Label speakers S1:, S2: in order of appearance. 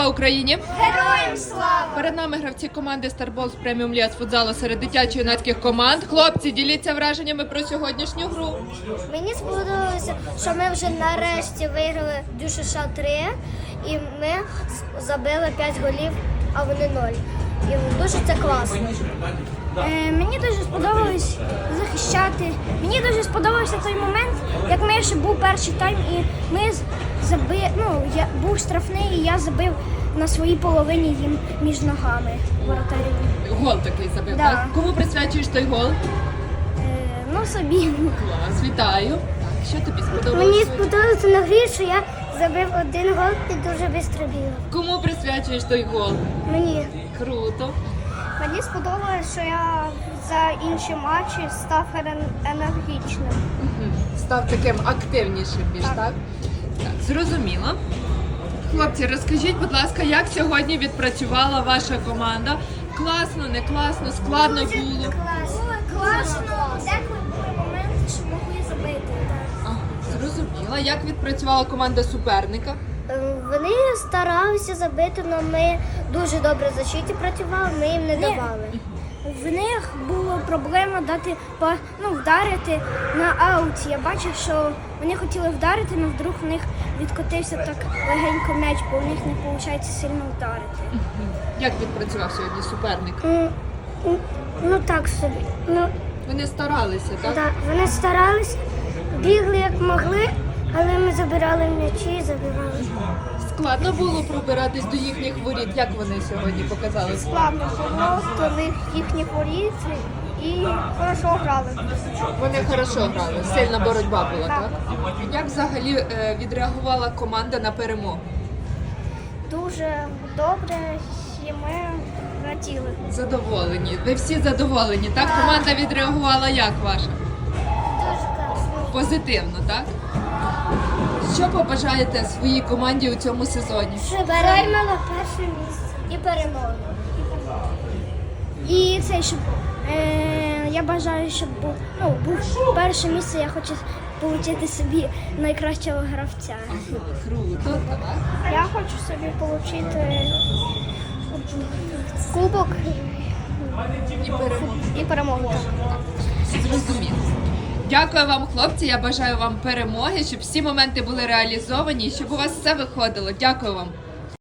S1: Україні!
S2: Героям слава!
S1: Перед нами гравці команди Старбол з преміум ліга з футзалу серед дитячо-юнацьких команд. Хлопці, діліться враженнями про сьогоднішню гру.
S2: Мені сподобалося, що ми вже нарешті виграли ДЮСШ 3 і ми забили 5 голів, а вони 0. І дуже це класно.
S3: Мені дуже сподобалось захищати. Мені дуже сподобався той момент, як ми ще був перший тайм, і ми був штрафний, і я забив на своїй половині їм між ногами воротарів.
S1: Гол такий забив,
S3: Да.
S1: так? Кому присвячуєш той гол?
S3: Собі.
S1: Клас, вітаю. Так, що тобі сподобалося?
S2: Мені сподобалося на грі, що я забив один гол і дуже швидко бігав.
S1: Кому присвячуєш той гол?
S2: Мені.
S1: Круто.
S3: Мені сподобалось, що я за інші матчі став енергічним.
S1: Став таким активнішим більш, так? Так, зрозуміло. Хлопці, розкажіть, будь ласка, як сьогодні відпрацювала ваша команда? Класно, не класно, складно було?
S3: Класно. Деколи були моменти, що могли забити.
S1: Ага, зрозуміла. Як відпрацювала команда суперника?
S2: Вони старалися забити, але ми дуже добре в защиті працювали, ми їм не давали.
S3: В них була проблема вдарити на ауті. Я бачив, що вони хотіли вдарити, але вдруг в них відкотився так легенько м'яч, бо в них не виходить сильно вдарити.
S1: Як відпрацював сьогодні суперник?
S2: Ну так собі.
S1: Вони старалися, так?
S2: Вони старались, бігли як могли, але ми забирали м'ячі і забивали.
S1: Складно було пробиратись до їхніх воріт. Як вони сьогодні показали?
S3: Складно було, коли їхні воріт і хорошо грали.
S1: Вони хорошо грали, сильна боротьба була, так? Як взагалі відреагувала команда на перемогу?
S3: Дуже добре, і ми раділи.
S1: Задоволені. Ви всі задоволені, так? Команда відреагувала як ваша?
S2: Дуже класно.
S1: Позитивно, так? Що побажаєте своїй команді у цьому сезоні?
S2: Щоб займала перше місце і перемогу.
S3: І це, щоб я бажаю, щоб був перше місце, я хочу отримати собі найкращого гравця.
S1: Круто, так?
S3: Я хочу собі отримати кубок
S1: І перемогу.
S3: і перемогу.
S1: Зрозуміло. Дякую вам, хлопці. Я бажаю вам перемоги, щоб всі моменти були реалізовані і щоб у вас все виходило. Дякую вам.